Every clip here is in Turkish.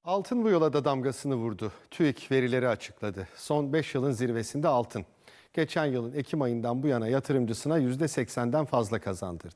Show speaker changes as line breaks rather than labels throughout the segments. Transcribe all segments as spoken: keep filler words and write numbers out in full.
Altın bu yola da damgasını vurdu. TÜİK verileri açıkladı. Son beş yılın zirvesinde altın. Geçen yılın Ekim ayından bu yana yatırımcısına yüzde seksenden fazla kazandırdı.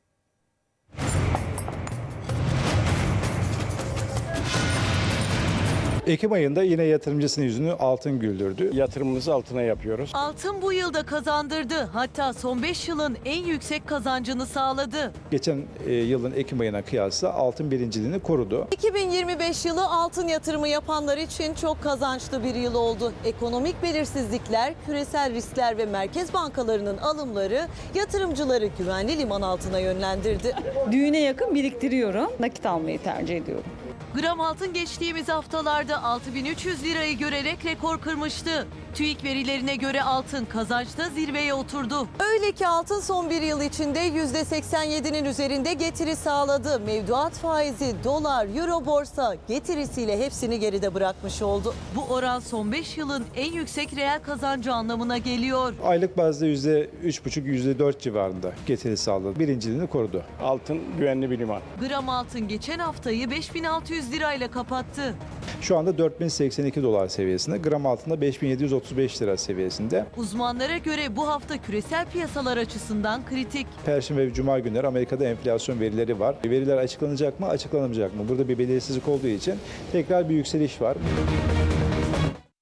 Ekim ayında yine yatırımcısının yüzünü altın güldürdü.
Yatırımımızı altına yapıyoruz.
Altın bu yılda kazandırdı. Hatta son beş yılın en yüksek kazancını sağladı.
Geçen e, yılın Ekim ayına kıyasla altın birinciliğini korudu.
iki bin yirmi beş yılı altın yatırımı yapanlar için çok kazançlı bir yıl oldu. Ekonomik belirsizlikler, küresel riskler ve merkez bankalarının alımları yatırımcıları güvenli liman altına yönlendirdi.
Düğüne yakın biriktiriyorum. Nakit almayı tercih ediyorum.
Gram altın geçtiğimiz haftalarda altı bin üç yüz lirayı görerek rekor kırmıştı. TÜİK verilerine göre altın kazançta zirveye oturdu.
Öyle ki altın son bir yıl içinde yüzde seksen yedinin üzerinde getiri sağladı. Mevduat faizi, dolar, euro borsa getirisiyle hepsini geride bırakmış oldu.
Bu oran son beş yılın en yüksek reel kazancı anlamına geliyor.
Aylık bazda yüzde üç buçuk yüzde dört civarında getiri sağladı. Birinciliğini korudu.
Altın güvenli bir liman.
Gram altın geçen haftayı beş bin altı yüz lirayla kapattı.
Şu anda dört bin seksen iki dolar seviyesinde. Gram altında beş bin yedi yüz otuz beş lira seviyesinde.
Uzmanlara göre bu hafta küresel piyasalar açısından kritik.
Perşembe ve Cuma günleri Amerika'da enflasyon verileri var. Veriler açıklanacak mı, açıklanamayacak mı? Burada bir belirsizlik olduğu için tekrar bir yükseliş var.